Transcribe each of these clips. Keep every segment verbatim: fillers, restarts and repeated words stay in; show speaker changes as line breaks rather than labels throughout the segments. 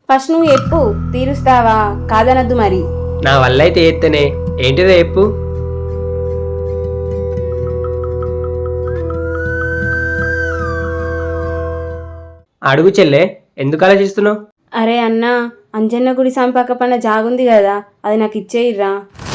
First నువ్వు చెప్పు, తీరుస్తావా కాదనద్దు మరి.
నా వల్ల అయితే ఎత్తనే. ఏంటిదో చెప్పు. అడుగు చెల్లే, ఎందుకు ఆలోచిస్తున్నావు?
అరే అన్నా, అంజన్న గుడి సంపక్క పన్న జాగుంది కదా, అది నాకు ఇచ్చేయిర్రా.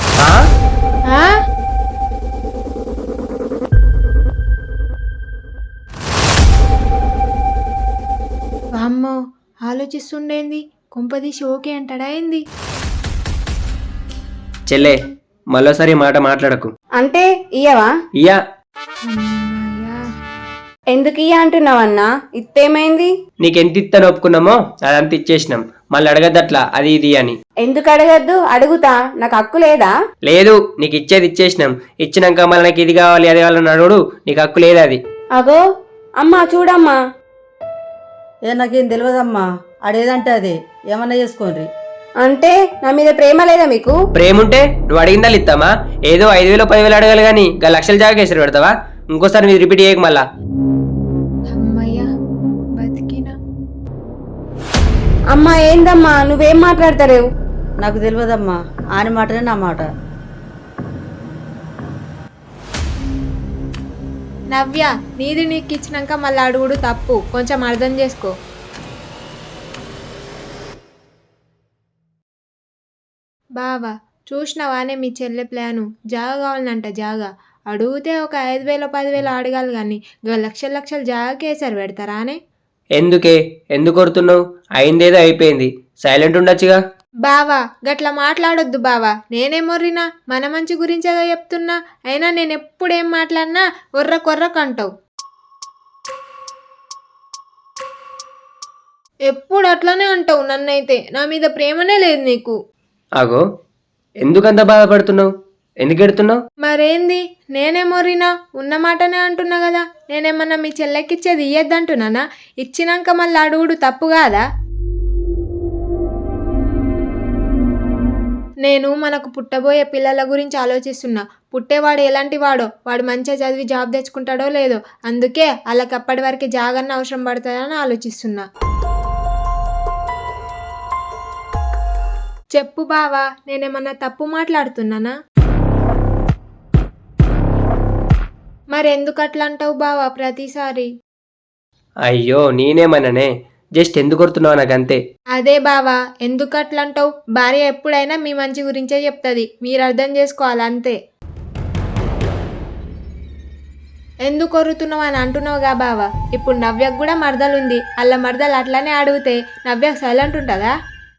వామ్మో, ఆలోచిస్తుండేంది? కొంపదీసి ఓకే అంటాడా ఏంది?
చెల్లే, మరోసారి మాట మాట్లాడకు.
అంటే ఇయ్యవా?
ఇయ్యా.
ఎందుకు ఇయ్య అంటున్నావన్నా? ఇత్తేమైంది?
నీకెంత ఇత్తని ఒప్పుకున్నామో అదంతా ఇచ్చేసినాం. మళ్ళీ అడగద్దట్లా అది ఇది అని.
ఎందుకు అడగద్దు? అడుగుతా, నాకు హక్కు లేదా?
లేదు, నీకు ఇచ్చేది ఇచ్చేసినాం. ఇచ్చినాక మళ్ళీ నాకు ఇది కావాలి అది కావాలని అడుగుడు, నీకు హక్కు లేదు అది.
అగో అమ్మా, చూడమ్మా.
ఏ నాకేం తెలియదమ్మా, అడేదంటే అదే, ఏమన్నా చేసుకోండి.
అంటే నా మీద ప్రేమ లేదా మీకు?
ప్రేమ ఉంటే నువ్వు అడిగిందా ఇస్తామా? ఏదో ఐదు వేలు పదివేలు అడగాలి కానీ గా లక్షల జాగేసారు పెడతావా? ఇంకోసారి మీరు రిపీట్ చేయక మళ్ళా.
అమ్మయ్యా, బతికినా.
అమ్మా ఏందమ్మా, నువ్వేం మాట్లాడతారేవు?
నాకు తెలియదమ్మా, ఆయన మాటనే నా మాట.
నవ్య, నీది నీకు ఇచ్చినాక మళ్ళీ అడుగుడు తప్పు, కొంచెం అర్థం చేసుకో. బావా, చూసినవానే మీ చెల్లె ప్లాను? జాగా కావాలంట జాగా. అడిగితే ఒక ఐదు వేల పదివేలు అడగాలి కానీ ఇక లక్షల లక్షలు జాగాకేసారు పెడతారా అనే?
ఎందుకే, ఎందుకు కొడుతున్నావు? అయిందేదో అయిపోయింది, సైలెంట్ ఉండొచ్చుగా.
బావా, గట్లా మాట్లాడొద్దు బావా. నేనే మొర్రినా? మన మంచి గురించేగా చెప్తున్నా. అయినా నేను ఎప్పుడేం మాట్లాడినా ఒర్ర కొర్రకంటావు. ఎప్పుడు అట్లనే అంటావు నన్నైతే. నా మీద ప్రేమనే లేదు నీకు.
ఆగో, ఎందుకంత బాధపడుతున్నావు? ఎందుకు ఎడుతున్నావు?
మరేంది, నేనే మొర్రినా? ఉన్న మాటనే అంటున్నా కదా. నేనేమన్నా మీ చెల్లెకిచ్చేది ఇయ్యద్దంటున్నానా? ఇచ్చినాక మళ్ళీ అడుగుడు తప్పు కాదా? నేను మనకు పుట్టబోయే పిల్లల గురించి ఆలోచిస్తున్నా. పుట్టేవాడు ఎలాంటి వాడో, వాడు మంచిగా చదివి జాబ్ తెచ్చుకుంటాడో లేదో, అందుకే వాళ్ళకి అప్పటి వరకు జాగన్న అవసరం పడుతుందని ఆలోచిస్తున్నా. చెప్పు బావా, నేనేమన్నా తప్పు మాట్లాడుతున్నానా? మరెందుకు అట్లా అంటావు బావా ప్రతిసారి?
అయ్యో నేనేమన్నానే, జస్ట్ ఎందుకు కొడుతున్నావు నాకంతే.
అదే బావా, ఎందుకు అట్లా అంటావు? భార్య ఎప్పుడైనా మీ మంచి గురించే చెప్తుంది, మీరు అర్థం చేసుకోవాలి అంతే. ఎందుకు కొరుతున్నావు అని అంటున్నావుగా బావా. ఇప్పుడు నవ్యకు కూడా మరదలుంది, అల్ల మరదలు అట్లానే అడిగితే నవ్యకు సైలెంట్ ఉంటుందా?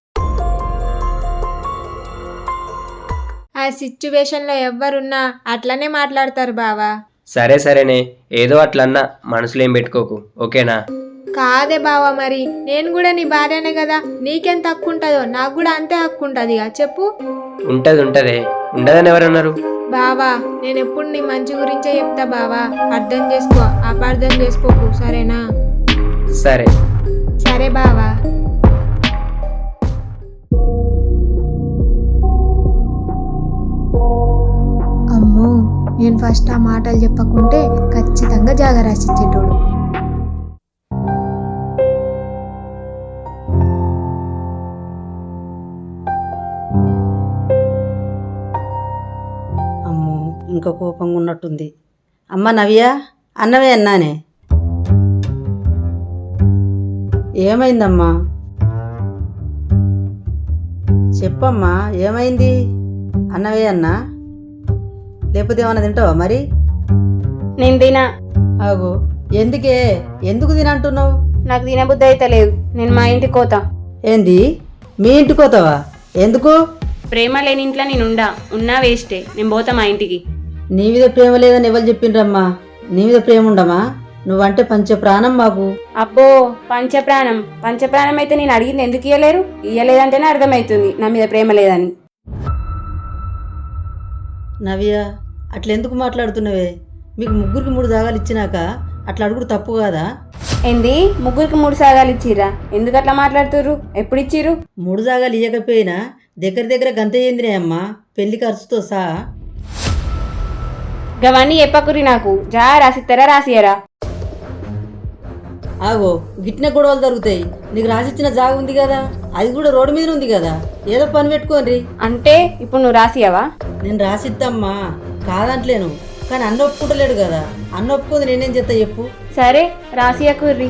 ఆ సిచ్యువేషన్లో ఎవ్వరున్నా అట్లనే మాట్లాడతారు బావా.
సరే సరేనే, ఏదో అట్లన్నా, మనసులో ఏం పెట్టుకోకు, ఓకేనా?
కాదే బావా, మరి నేను కూడా నీ భార్యనే కదా, నీకెంత హక్కు ఉంటుందో నాకు కూడా అంతే హక్కు ఉంటుంది. చెప్పు.
ఉంటది ఉంటదే, ఉండదని ఎవరన్నారు?
బావా, నేను ఎప్పుడు నీ మంచి గురించే చెప్తా బావా, అర్థం చేసుకో, అపార్థం చేసుకోకు, సరేనా?
సరే
సరే బావా. అమ్మో, నేను ఫస్ట్ ఆ మాటలు చెప్పకుంటే ఖచ్చితంగా జాగా రాసిచ్చేటోడు.
అమ్మో, ఇంకా కోపంగా ఉన్నట్టుంది. అమ్మ నవ్య, అన్నవే అన్నానే. ఏమైందమ్మా? చెప్పమ్మా, ఏమైంది? అన్నవే అన్నా, లేకపోతే ఏమన్నా తింటావా మరి?
నేను తినా.
ఆగు, ఎందుకే, ఎందుకు తినంటున్నావు?
నాకు తినబుద్ధి అయితే లేదు, నేను మా ఇంటికి పోతా.
ఏంది, మీ ఇంటికి పోతావా? ఎందుకు?
ప్రేమ లేని ఇంట్లో నేను ఉండా, ఉన్నా వేస్టే, నేను పోతా మా ఇంటికి.
నీ మీద ప్రేమ లేదని ఎవరు చెప్పిండ్రమ్మా? నీ మీద ప్రేమ ఉండమా? నువ్వంటే పంచ ప్రాణం మాకు.
అబ్బో, పంచప్రాణం పంచప్రాణం అయితే నేను అడిగింది ఎందుకు ఇయ్యలేరు? ఇయ్యలేదంటేనే అర్థమవుతుంది నా మీద ప్రేమ లేదని.
నవ్య, అట్లా ఎందుకు మాట్లాడుతున్నావే? మీకు ముగ్గురికి మూడు జాగాలు ఇచ్చినాక అట్లా అడుగుడు తప్పు కాదా?
ఏంది, ముగ్గురికి మూడు సాగాలు ఇచ్చిర్రా? ఎందుకు అట్లా మాట్లాడుతుర్రు? ఎప్పుడు ఇచ్చిర్రు?
మూడు జాగాలు ఇవ్వకపోయినా దగ్గర దగ్గర గంత ఏందినాయమ్మా, పెళ్లి ఖర్చుతో సహా.
గవన్నీ చెప్పకురి నాకు. జా రాసిస్తారా రాసియరా?
ఆగో గిట్టిన గొడవలు జరుగుతాయి. నీకు రాసిచ్చిన జాగ ఉంది కదా, అది కూడా రోడ్డు మీద ఉంది కదా, ఏదో పని పెట్టుకోండి.
అంటే ఇప్పుడు నువ్వు రాసియావా?
నేను రాసిద్దమ్మా, కాదంటలేను, కానీ అన్న ఒప్పుకుంటలేడు కదా. అన్న ఒప్పుకుంది నేనేం చేస్తా చెప్పు.
సరే రాసియకుర్రి.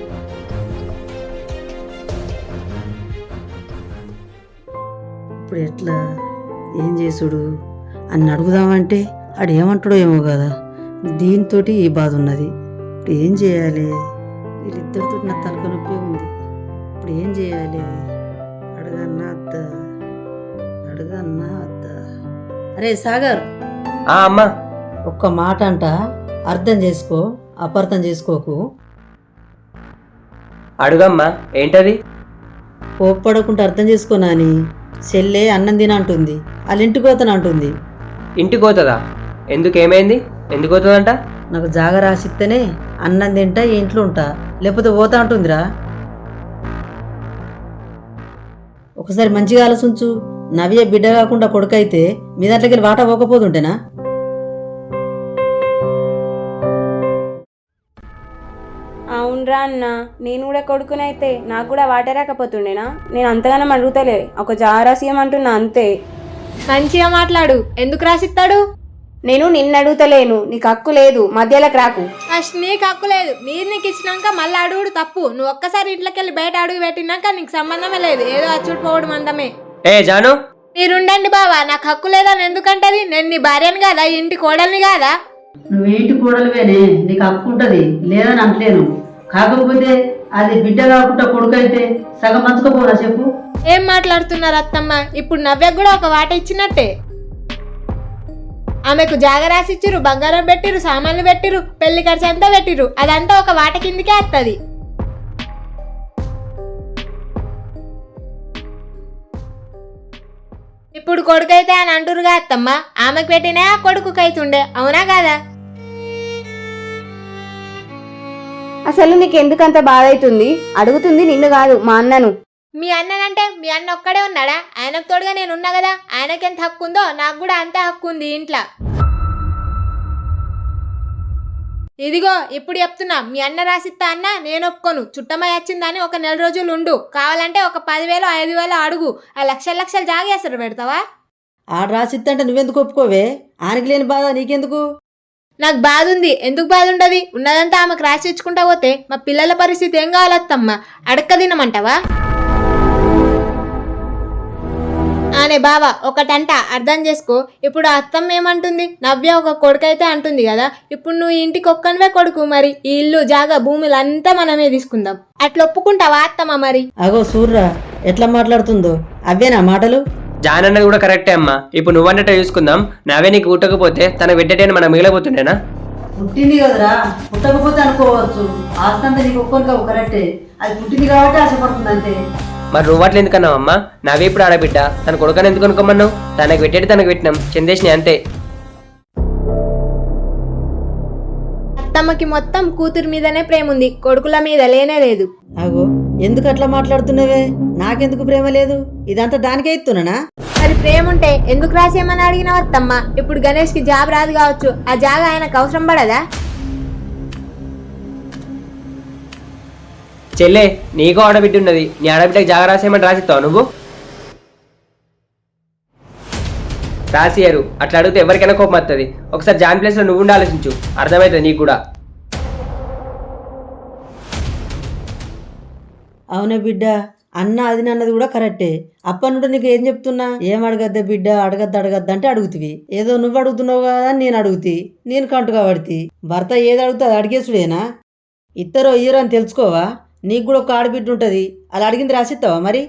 ఇప్పుడు ఎట్లా ఏం చేసుడు అని అడుగుదామంటే ఆడు ఏమంటాడో ఏమో కదా. దీంతో ఈ బాధ ఉన్నది. ఇప్పుడు ఏం చేయాలి? వీళ్ళిద్దరితో నా తలక నొప్పి ఉంది. ఇప్పుడు ఏం చేయాలి? అడగన్నా అత్త, అడగన్నా అత్త. అరే సాగర్,
ఆ అమ్మా,
ఒక్క మాట అంట, అర్థం చేసుకో, అపార్థం చేసుకోకు.
అడుగమ్మా, ఏంటది?
కోప్పడకుండా అర్థం చేసుకో నాని. చెల్లె అన్నం తిన అంటుంది, వాళ్ళ ఇంటికి పోతాను అంటుంది.
ఇంటికి పోతుందా? ఎందుకు, ఏమైంది? ఎందుకు పోతుందంట?
నాకు జాగ రాసిస్తేనే అన్నం తింటా, ఈ ఇంట్లో ఉంటా, లేకపోతే పోతా అంటుందిరా. ఒకసారి మంచిగా ఆలోచించు. నవ్య బిడ్డ కాకుండా కొడుకైతే మీ దాంట్లోకి వెళ్ళి వాటా పోకపోతుంటేనా?
అవునరా అన్న, నేను కూడా కొడుకునైతే నాకు కూడా వాటే రాకపోతుండేనా? నేను అంతగానం అడుగుతలే, ఒక జారాసియం అంటున్నా అంతే.
మంచిగా మాట్లాడు. ఎందుకు రాసిస్తాడు?
నేను నిన్ను అడుగుతలేను, నీకు హక్కు లేదు, మధ్యలోకి రాకు.
ఫస్ట్ నీకు హక్కు లేదు. మీరు నీకు ఇచ్చినాక మళ్ళీ అడుగుడు తప్పు. నువ్వు ఒక్కసారి ఇంట్లోకి వెళ్ళి బయట అడుగు పెట్టినాక నీకు సంబంధమే లేదు, ఏదో అచ్చుడు పోవడం అందమే.
ఏ జాను,
మీరుండండి బావా, నాకు హక్కు లేదని ఎందుకంటది? నేను నీ భార్యని కాదా, ఇంటి కోడల్ని కాదా?
నువ్వేంటి కూడలివేనే, నీకు హక్కు ఉంటుంది, లేదని అంటలేను. కాకపోతే అది బిడ్డ కాకుండా కొడుకైతే సగం మంచుకోపోనా చెప్పు.
ఏం మాట్లాడుతున్నారు అత్తమ్మ? ఇప్పుడు నవ్యకు కూడా ఒక వాట ఇచ్చినట్టే. ఆమెకు జాగ రాసిచ్చిరు, బంగారం పెట్టిరు, సామాన్లు పెట్టిరు, పెళ్లి ఖర్చు అంతా పెట్టిరు, అదంతా ఒక వాట కిందికే వస్తుంది. ఇప్పుడు కొడుకైతే అని అంటురుగా అత్తమ్మ, ఆమెకు పెట్టినా కొడుకుకైతుండే, అవునా కాదా?
అసలు నీకు ఎందుకంత బాధ అవుతుంది? అడుగుతుంది నిన్ను కాదు, మా అన్నను.
మీ అన్ననంటే మీ అన్న ఒక్కడే ఉన్నాడా? ఆయనకు తోడుగా నేను ఉన్నా కదా. ఆయనకి ఎంత హక్కు ఉందో నాకు కూడా అంతే హక్కు ఉంది ఇంట్లో. ఇదిగో ఇప్పుడు చెప్తున్నా, మీ అన్న రాసిస్తా అన్న నేను ఒప్పుకోను. చుట్టమై వచ్చిందని ఒక నెల రోజులు ఉండు, కావాలంటే ఒక పదివేలు ఐదు వేలు అడుగు, ఆ లక్షల లక్షలు జాగేస్తారు పెడతావా?
ఆడ రాసిద్దంటే నువ్వెందుకు ఒప్పుకోవే? ఆయనకి లేని బాధ నీకెందుకు?
నాకు బాధ ఉంది. ఎందుకు బాధ ఉండదు? ఉన్నదంతా ఆమెకు రాసి ఇచ్చుకుంటా పోతే మా పిల్లల పరిస్థితి ఏం కావాలత్తమ్మా? అడక్క తినమంటావా? అనే బావ ఒకటంట, అర్థం చేసుకో. ఇప్పుడు అత్తమ్మ ఏమంటుంది? నవ్య ఒక కొడుకైతే అంటుంది కదా, ఇప్పుడు నువ్వు ఇంటికి ఒక్కనివే కొడుకు, మరి ఈ ఇల్లు జాగా భూములు అంతా మనమే తీసుకుందాం, అట్లా ఒప్పుకుంటావా అత్తమ్మ? మరి
అగో సూర్రా ఎట్లా మాట్లాడుతుందో, అవేనా మాటలు?
జాన్ అన్నది కూడా కరెక్టే అమ్మా. ఇప్పుడు నువ్వన్నట్టు చూసుకుందాం, నావే నీకు ఊటకపోతే తనకు పెట్టేటైనా మనం మిగిలిపోతుండేనా?
పుట్టింది కదరా, పుట్టకపోతే అనుకోవచ్చు. ఆస్తంతా నీకు ఒక్కొక్క కరెక్టే, అది పుట్టింది కాబట్టి ఆశపడుతుంది అంతే.
మరి నువ్వు అట్లా ఎందుకన్నావు అమ్మా? నావే ఇప్పుడు ఆడబిడ్డ, తన కొడుకని ఎందుకు అనుకోమన్నావు? తనకు పెట్టేది తనకు పెట్టినాం, చందేసిని అంతే.
అత్తమ్మకి మొత్తం కూతురు మీదనే ప్రేమ ఉంది, కొడుకుల మీద లేనే లేదు.
అగో ఎందుకు అట్లా మాట్లాడుతున్నావే? నాకెందుకు ప్రేమ లేదు? ఇదంతా దానికే ఇస్తున్నానా?
మరి ప్రేమ ఉంటే ఎందుకు రాసేయమని అడిగినావు అత్తమ్మ? ఇప్పుడు గణేష్ కి జాబ్ రాదు కావచ్చు, ఆ జాగా ఆయనకు అవసరం పడదా?
చెల్లే, నీకు ఆడబిడ్డ ఉన్నది, నీ ఆడబిడ్డకి జాగ రాసేయమని రాసిస్తావు నువ్వు? రాసియరు. అట్లా అడిగితే ఎవరికైనా కోపం వస్తుంది. ఒకసారి జాన్ ప్లేస్లో నువ్వు ఉండి ఆలోచించు, అర్థమవుతుంది నీకు కూడా.
అవునే బిడ్డ, అన్న అది అన్నది కూడా కరెక్టే. అప్పటి నుండి నీకు ఏం చెప్తున్నా, ఏం అడగద్దా బిడ్డ, అడగద్దు అడగద్దు అంటే అడుగుతివి. ఏదో నువ్వు అడుగుతున్నావు కదా అని నేను అడుగుతి, నేను కంటుగా పడితి. భర్త ఏది అడుగుతా అది అడిగేసుడేనా? ఇద్దరో ఇయ్యరో అని తెలుసుకోవా? నీకు కూడా ఒక ఆడబిడ్డ ఉంటుంది, అలా అడిగింది రాసిస్తావా మరి?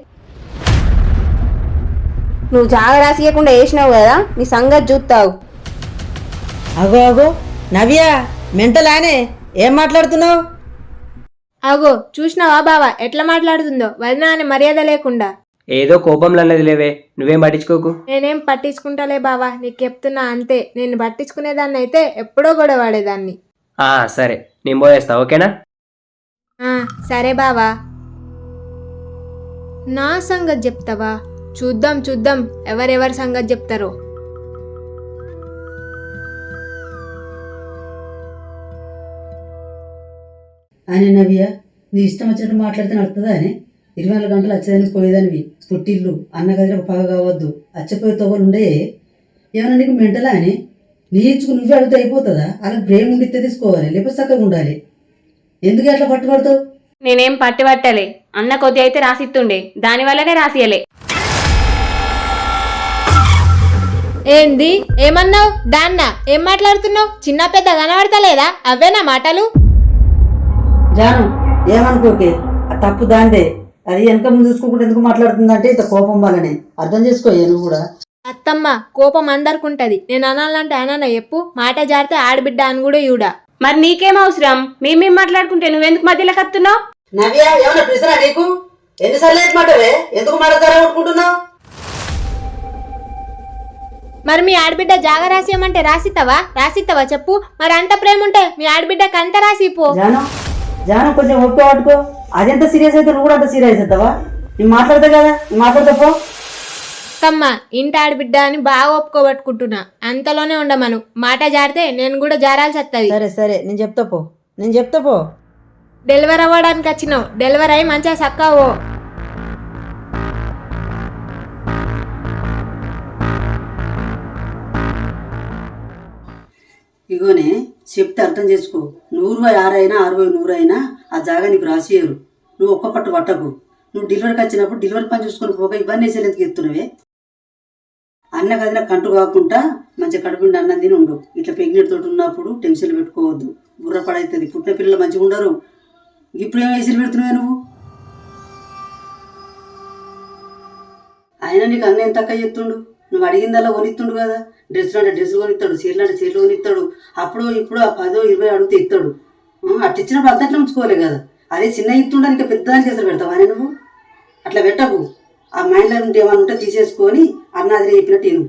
నువ్వు జాగ రాసియకుండా వేసినావు కదా, నీ సంగతి చూస్తావు.
అగో అగో నవ్య, మెంటలానే ఏం మాట్లాడుతున్నావు?
అగో చూసినావా బావా ఎట్లా మాట్లాడుతుందో, వదిన అని మర్యాద లేకుండా.
ఏదో కోపంలో అన్నది లేవే, నువ్వేం పట్టించుకోకు.
నేనేం పట్టించుకుంటలే బావా, నీకు చెప్తున్నా అంతే. నేను పట్టించుకునేదాన్ని అయితే ఎప్పుడో గొడవ పడేదాన్ని.
ఆ సరే, నేను పోయేస్తా, ఓకేనా?
ఆ సరే బావా. నా సంగతి చెప్తావా? చూద్దాం చూద్దాం ఎవరెవరి సంగతి చెప్తారో.
అని నవ్య నీ ఇష్టం వచ్చినట్టు మాట్లాడితే నడుతుందా అని ఇరవై నాలుగు గంటలు వచ్చేదాన్ని పోయేదానివి పుట్టిల్లు అన్న గదిలో పగ కావద్దు అచ్చపోయే తోవలు ఉండే ఏమన్నా నీకు మెంటలా అని నీ ఇచ్చుకు నువ్వే అడిగితే అయిపోతుందా అలా బ్రేమ్ ఉండితే తీసుకోవాలి లేకపోతే చక్కగా ఉండాలి. ఎందుకు అట్లా పట్టుబడతావు?
నేనేం పట్టి పట్టలే, అన్న కొద్ది అయితే రాసిత్తుండే, దానివల్లనే రాసియలే.
ఏంది ఏమన్నావు? దాన్న ఏం మాట్లాడుతున్నావు? చిన్న పెద్ద కనబడతలేదా? అవేనా మాటలు?
జాను ఏమనుకోకే, ఆ తప్పు దాందే. అది వెనక ముందు చూసుకోకుండా ఎందుకు మాట్లాడుతుందంటే ఇంత కోపం వల్లనే. అర్థం చేసుకోయే నువ్వు కూడా.
అత్తమ్మ కోపం అందరికుంటది. నేను అనాలంటే అనాన చెప్పు. మాట జారితే ఆడబిడ్డ అని కూడా ఈవిడ.
మరి నీకేం అవసరం? మేమేం మాట్లాడుకుంటే నువ్వెందుకు మధ్యలో కత్తున్నావు?
నవ్య ఏమన్నా పిలిచినా నీకు? ఎన్నిసార్లు ఏంటి మాటవే? ఎందుకు మాట కొట్టుకుంటున్నావు?
మరి మీ ఆడబిడ్డ జాగ రాసియమంటే రాసిస్తావా? రాసిస్తావా చెప్పు. మరి అంత ప్రేమ ఉంటే మీ ఆడబిడ్డకి అంత రాసిపో.
జాను జాను కొంచెం ఒప్పుకో పట్టుకో. అదెంత సీరియస్ అయితే నువ్వు కూడా అంత సీరియస్ అవుతావా? నేను మాట్లాడతా కదా, నువ్వు మాట్లాడతా పో.
అత్తమ్మ ఇంటి ఆడబిడ్డ అని బాగా ఒప్పుకోబట్టుకుంటున్నా. అంతలోనే ఉండమను. మాట జారితే నేను కూడా జారాల్సి వస్తుంది.
సరే సరే నేను చెప్తా పో, నేను చెప్తా పో.
డెలివరీ అవ్వడానికి వచ్చినావు. డెలివరీ అయ్యి మంచిగా సక్కావో.
ఇగోనే చెప్తే అర్థం చేసుకో. నూరు ఆరైనా అరవై నూరు అయినా ఆ జాగా నీకు రాసియరు. నువ్వు ఒక్క పట్టు పట్టకు. నువ్వు డెలివరీకి వచ్చినప్పుడు డెలివరీ పని చూసుకొని పోక ఇవన్నీ వేసేది ఎందుకు ఎత్తున్నవే? అన్న కదిన కంటు కాకుండా మంచిగా కడుపుండి అన్నం తిని ఉండు. ఇట్లా ప్రెగ్నెంట్ తోటి ఉన్నప్పుడు టెన్షన్లు పెట్టుకోవద్దు. బుర్ర పడవుతుంది. పుట్టిన పిల్లలు మంచిగా ఉండరు. ఇప్పుడు ఏం వేసలు పెడుతున్నావే నువ్వు? అయినా నీకు అన్న ఎంత తక్కువ చెప్తుండు? నువ్వు అడిగిందల్లా కొనిస్తుండు కదా. డ్రెస్సులు అంటే డ్రెస్సులు కొనిస్తాడు, చీరలు అంటే చీరలు కొనిస్తాడు. అప్పుడు ఇప్పుడు ఆ పదో ఇరవై అడిగితే ఇస్తాడు. అట్లా ఇచ్చినప్పుడు అంతట్లో ఉంచుకోలే కదా. అదే చిన్న ఇస్తుండ ఇంకా పెద్దదానికి చేసలు పెడతావా అని నువ్వు? అట్లా పెట్టకు. ఆ మైండ్లో ఉంటే ఏమైనా ఉంటే తీసేసుకొని అన్న అది చెప్పినట్టు నేను.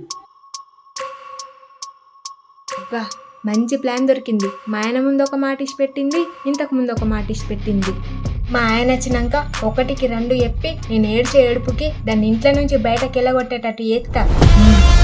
అబ్బా మంచి ప్లాన్ దొరికింది. మా ఆయన ముందు ఒక మాట ఇచ్చి పెట్టింది, ఇంతకు ముందు ఒక మాట ఇచ్చి పెట్టింది. మా ఆయన వచ్చినాక ఒకటికి రెండు చెప్పి నేను ఏడ్చే ఏడుపుకి దాన్ని ఇంట్లో నుంచి బయటకు వెళ్ళగొట్టేటట్టు చేస్తా.